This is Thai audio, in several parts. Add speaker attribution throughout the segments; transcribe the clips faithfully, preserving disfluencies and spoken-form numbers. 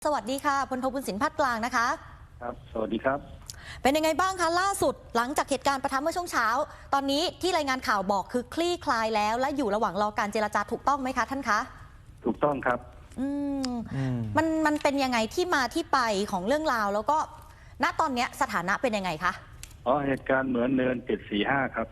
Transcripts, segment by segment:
Speaker 1: สวัสดีค่ะพลโทบุญสินพัฒน์กลางนะคะ
Speaker 2: ครับสวัสดีครับ
Speaker 1: เป็นยังไงบ้างคะล่าสุดหลังจากเหตุการณ์ปะทะเมื่อช่วงเช้าตอนนี้ที่รายงานข่าวบอกคือคลี่คลายแล้วและอยู่ระหว่างรอการเจรจาถูกต้องไหมคะท่านคะ
Speaker 2: ถูกต้องครับ
Speaker 1: อืมมันมันเป็นยังไงที่มาที่ไปของเรื่องราวแล้วก็ณตอนนี้สถานะเป็นยังไงคะ
Speaker 2: อ๋อเหตุการณ์เหมือนเนินเจ็ดสี่ห้าครับ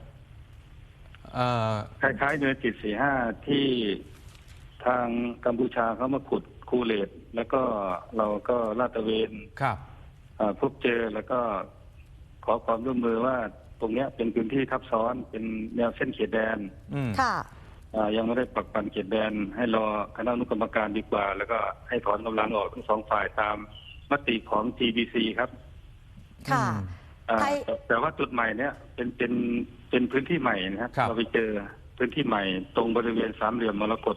Speaker 2: คล้ายๆเนินเจ็ดสี่ห้าที่ทางกัมพูชาเขามาขุดคูเลตแล้วก็เราก็ลาดตระเวน
Speaker 3: ครับ
Speaker 2: พบเจอแล้วก็ขอความร่วมมือว่าตรงนี้เป็นพื้นที่ทับซ้อนเป็นแนวเส้นเขตแดน
Speaker 1: ค่ะ
Speaker 2: ยังไม่ได้ปักปันเขตแดนให้รอคณะอนุกรรมการดีกว่าแล้วก็ให้ถอนกำลังออกทั้งสองฝ่ายตามมติของ จี บี ซี ครับ
Speaker 1: ค่ะ
Speaker 2: แต่ว่าจุดใหม่เนี้ยเป็นเป็นเป็นพื้นที่ใหม่นะครับเราไปเจอพื้นที่ใหม่ตรงบริเวณสามเหลี่ยมมรกต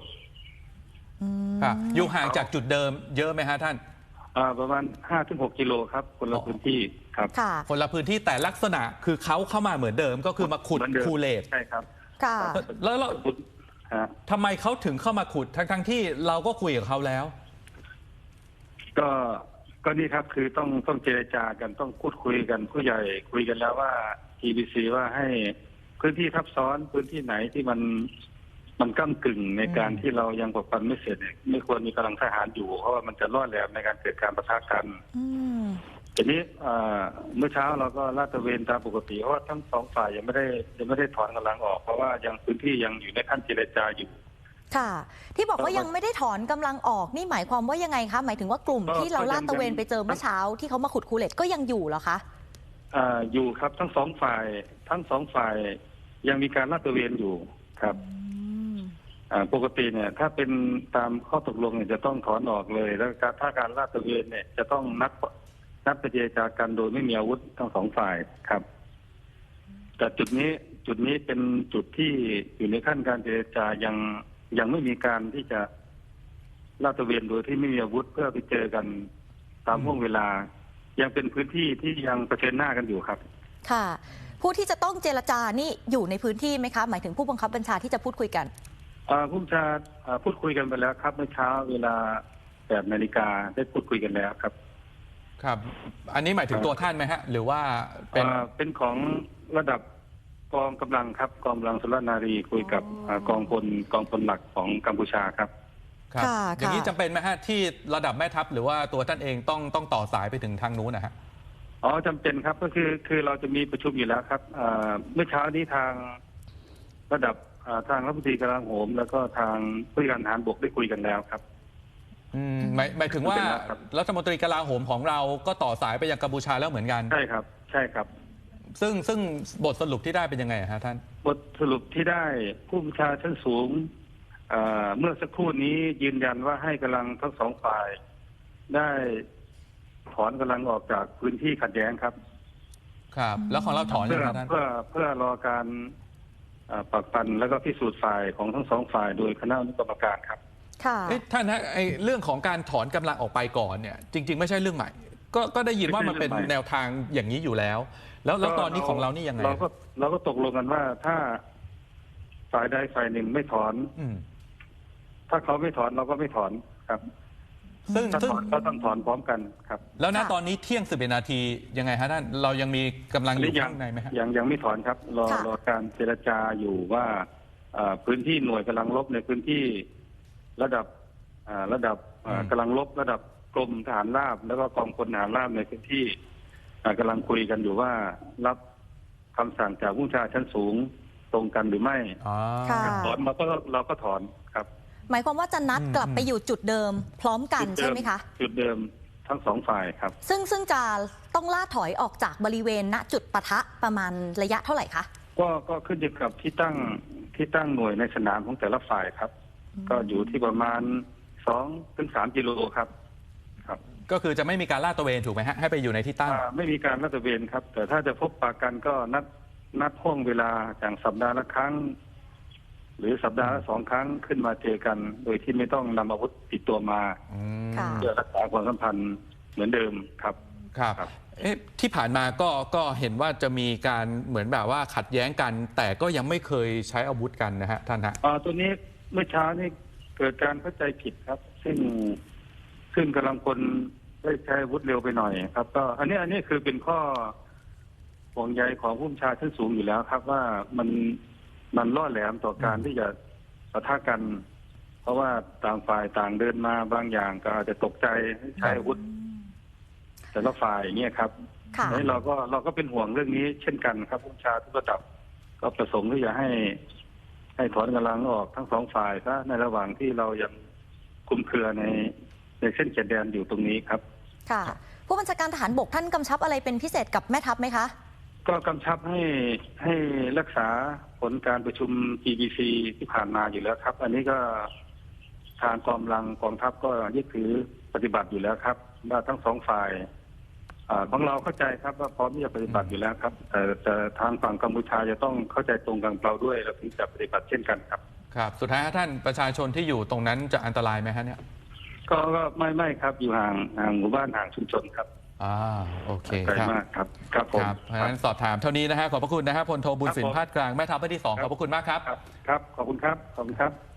Speaker 3: อยู่ห่างจากจุดเดิมเยอะไหมฮะท่าน
Speaker 2: ประมาณห้าถึงหกกิโลครับคนละพื้นที่ครับ
Speaker 3: คนละพื้นที่แต่ลักษณะคือเขาเข้ามาเหมือนเดิมก็คือมาขุดคูเลต
Speaker 2: ใช่ครับ
Speaker 1: ค่ะ
Speaker 3: แล้วเราทำไมเขาถึงเข้ามาขุดทั้งทั้งที่เราก็คุยกับเขาแล้ว
Speaker 2: ก็ก็นี่ครับคือต้องต้องเจรจากันต้องพูดคุยกันผู้ใหญ่คุยกันแล้วว่า จี บี ซี ว่าให้พื้นที่ทับซ้อนพื้นที่ไหนที่มันมันก้ากึ่งในการที่เรายังปกปันไม่เสร็จเนี่ยไม่ควรมีกำลังทหารอยู่เพราะว่ามันจะล่อแหลมในการเกิดการปะทะกันทีนี้เมื่อเช้าเราก็ลาดตระเวนตามปกติเพราะว่าทั้งสองฝ่ายยังไม่ได้ยังไม่ได้ถอนกำลังออกเพราะว่ายังพื้นที่ยังอยู่ในขั้นเจรจาอยู่
Speaker 1: ค่ะที่บอกว่ายังไม่ได้ถอนกำลังออกนี่หมายความว่ายังไงคะหมายถึงว่ากลุ่มที่เราลาดตระเวนไปเจอเมื่อเช้าที่เขามาขุดคูเลตก็ยังอยู่เหรอคะ
Speaker 2: อ่าอยู่ครับทั้งสองฝ่ายทั้งสองฝ่ายยังมีการลาดตระเวนอยู่ครับปกติเนี่ยถ้าเป็นตามข้อตกลงเนี่ยจะต้องถอนออกเลยแล้วถ้าการลาดตระเวนเนี่ยจะต้องนัดนัดไปเจรจากันโดยไม่มีอาวุธทั้งสองฝ่ายครับแต่จุดนี้จุดนี้เป็นจุดที่อยู่ในขั้นการเจรจายังยังไม่มีการที่จะลาดตระเวนโดยที่ไม่มีอาวุธเพื่อไปเจอกันตามห่วงเวลายังเป็นพื้นที่ที่ยังเผชิญหน้ากันอยู่ครับ
Speaker 1: ค่ะผู้ที่จะต้องเจรจานี่อยู่ในพื้นที่ไหมคะหมายถึงผู้บังคับบัญชาที่จะพูดคุยกัน
Speaker 2: ผู้บัญชาพูดคุยกันไปแล้วครับเมื่อเช้าเวลาแปดนาฬิกาได้พูดคุยกันแล้วครับ
Speaker 3: ครับอันนี้หมายถึงตัวท่านไหมฮะหรือว่าเป็น
Speaker 2: เป็นของระดับกองกำลังครับกองกำลังสุรนารีคุยกับกองพลกองพลหลักของกัมพูชาครับ
Speaker 3: ครับอย่างนี้จำเป็นไหมฮะที่ระดับแม่ทัพหรือว่าตัวท่านเองต้องต้องต่อสายไปถึงทางนู้นนะฮะ
Speaker 2: อ๋อจำเป็นครับก็คือคือเราจะมีประชุมอยู่แล้วครับเมื่อเช้านี้ทางระดับทางรัฐมนตรีกลาโหมแล้วก็ทางผู้การทหารบกได้คุยกันแล้วครับ
Speaker 3: อืมหมายหมายถึงว่ารัฐมนตรีกลาโหมของเราก็ต่อสายไปยังกัมพูชาแล้วเหมือนกัน
Speaker 2: ใช่ครับใช่ครับ
Speaker 3: ซึ่งซึ่งบทสรุปที่ได้เป็นยังไงฮะท่าน
Speaker 2: บทสรุปที่ได้ผู้บัญชาชั้นสูงเมื่อสักครู่นี้ยืนยันว่าให้กำลังทั้งสองฝ่ายได้ถอนกำลังออกจากพื้นที่ขัดแย้งครับ
Speaker 3: ครับแล้วของเราถอนยังไงท่าน
Speaker 2: เพื่อเพื่อรอการปักปันแล้วก็พิสูจน์ฝ่ายของทั้งสองฝ่ายโดยคณะอนุกรรมการครับ
Speaker 1: ค่ะ
Speaker 3: ท่านฮะไอ้เรื่องของการถอนกำลังออกไปก่อนเนี่ยจริงๆไม่ใช่เรื่องใหม่ก็ก็ได้ยินว่ามันเป็นแนวทางอย่างนี้อยู่แล้วแล้วแล้วตอนนี้ของเรานี่ยังไง
Speaker 2: เราก็เราก็ตกลงกันว่าถ้าฝ่ายใดฝ่ายหนึ่งไม่ถอนถ้าเขาไม่ถอนเราก็ไม่ถอนครับ
Speaker 3: ซึ่งซึ่ง
Speaker 2: เราต้องถอนพร้อมกันครับ
Speaker 3: แล้วณตอนนี้เที่ยงสิบเอ็ดนาทียังไงฮะท่านเรายังมีกำลังอยู่ข้างในไหมฮะ
Speaker 2: ยังยังไม่ถอนครับรอรอการเจรจาอยู่ว่าพื้นที่หน่วยกำลังรบในพื้นที่ระดับระดับกำลังรบระดับกรมทหารราบแล้วก็กองพลทหารราบในพื้นที่กำลังคุยกันอยู่ว่ารับคำสั่งจากผู้บัญชาชั้นสูงตรงกันหรือไม่ถอนเราก็เราก็ถอนครับ
Speaker 1: หมายความว่าจะนัดกลับไปอยู่จุดเดิมพร้อมกันใช่ไหมคะ
Speaker 2: จุดเดิมทั้งสองฝ่ายครับ
Speaker 1: ซึ่งซึ่งจะต้องล่าถอยออกจากบริเวณณจุดปะทะประมาณระยะเท่าไหร่คะ
Speaker 2: ก็ก็ขึ้นอยู่กับที่ตั้งที่ตั้งหน่วยในสนามของแต่ละฝ่ายครับก็อยู่ที่ประมาณสองถึงสามกิโลครับครับ
Speaker 3: ก็คือจะไม่มีการลาดตระเวนถูกไหมฮะให้ไปอยู่ในที่ตั้ง
Speaker 2: ไม่มีการลาดตระเวนครับแต่ถ้าจะพบปะกันก็นัดนัดห้องเวลาอย่างสัปดาห์ละครั้งหรือสัปดาห์ละสองครั้งขึ้นมาเจอกันโดยที่ไม่ต้องนำอาวุธติดตัวมาเพื่อรักษาความสัมพันธ์เหมือนเดิมครับ
Speaker 3: ครับเอ๊ะที่ผ่านมาก็ก็เห็นว่าจะมีการเหมือนแบบว่าขัดแย้งกันแต่ก็ยังไม่เคยใช้อาวุธกันนะฮะท่านฮะ
Speaker 2: อ่าตัวนี้เมื่อเช้านี้เกิดการเข้าใจผิดครับซึ่งซึ่งกำลังพลได้ใช้อาวุธเร็วไปหน่อยครับ ก็อันนี้อันนี้คือเป็นข้อห่วงใยของผู้บัญชาชั้นสูงอยู่แล้วครับ ว่ามันมันล่อแหลมต่อการที่จะปะทะกัน เพราะว่าต่างฝ่ายต่างเดินมาบางอย่างก็อาจจะตกใจใช้อาวุธแต่ละฝ่ายอย่างเงี้ยครับ
Speaker 1: ค่ะ
Speaker 2: แล้วเราก็เราก็เป็นห่วงเรื่องนี้เช่นกันครับผู้บัญชาทุกระดับก็ประสงค์ที่จะให้ให้ถอนกำลังออกทั้งสองฝ่ายซะในระหว่างที่เรายังคลุมเครือในในเส้นเขตแดนอยู่ตรงนี้ครับ
Speaker 1: ค่ะ ผู้บัญชาการทหารบกท่านกำชับอะไรเป็นพิเศษกับแม่ทัพไหมคะ
Speaker 2: ก็กำชับให้ให้รักษาผลการประชุม จี บี ซี ที่ผ่านมาอยู่แล้วครับ อันนี้ก็ทางกองกำลังกองทัพก็ยึดถือปฏิบัติอยู่แล้วครับว่าทั้งสองฝ่ายอาของเราเข้าใจครับว่าพร้อมที่จะปฏิบัติอยู่แล้วครับ แต่แต่ทางฝั่งกัมพูชาจะต้องเข้าใจตรงกันเราด้วยเราถึงจะปฏิบัติเช่นกันครับ
Speaker 3: ครับสุดท้ายท่านประชาชนที่อยู่ตรงนั้นจะอันตรายไหมฮะเนี่ย
Speaker 2: ก็ก็ไม่ไม่ครับอยู่ห่างห่างหมู่บ้านห่างชุมชนครับ
Speaker 3: อ่าโอเค
Speaker 2: ไกล
Speaker 3: ครับ
Speaker 2: มากครับครับผม
Speaker 3: ครับเพราะฉะนั้นสอบถามเท่านี้นะฮะขอบพระคุณนะฮะพลโทบุญสิน
Speaker 2: ครับผม
Speaker 3: พาดกลางแม่ทัพภาคที่สอง
Speaker 2: ค
Speaker 3: ข
Speaker 2: รับ
Speaker 3: อบพระคุณมากครับ
Speaker 2: ครับครับขอบคุณครับขอบคุณครับ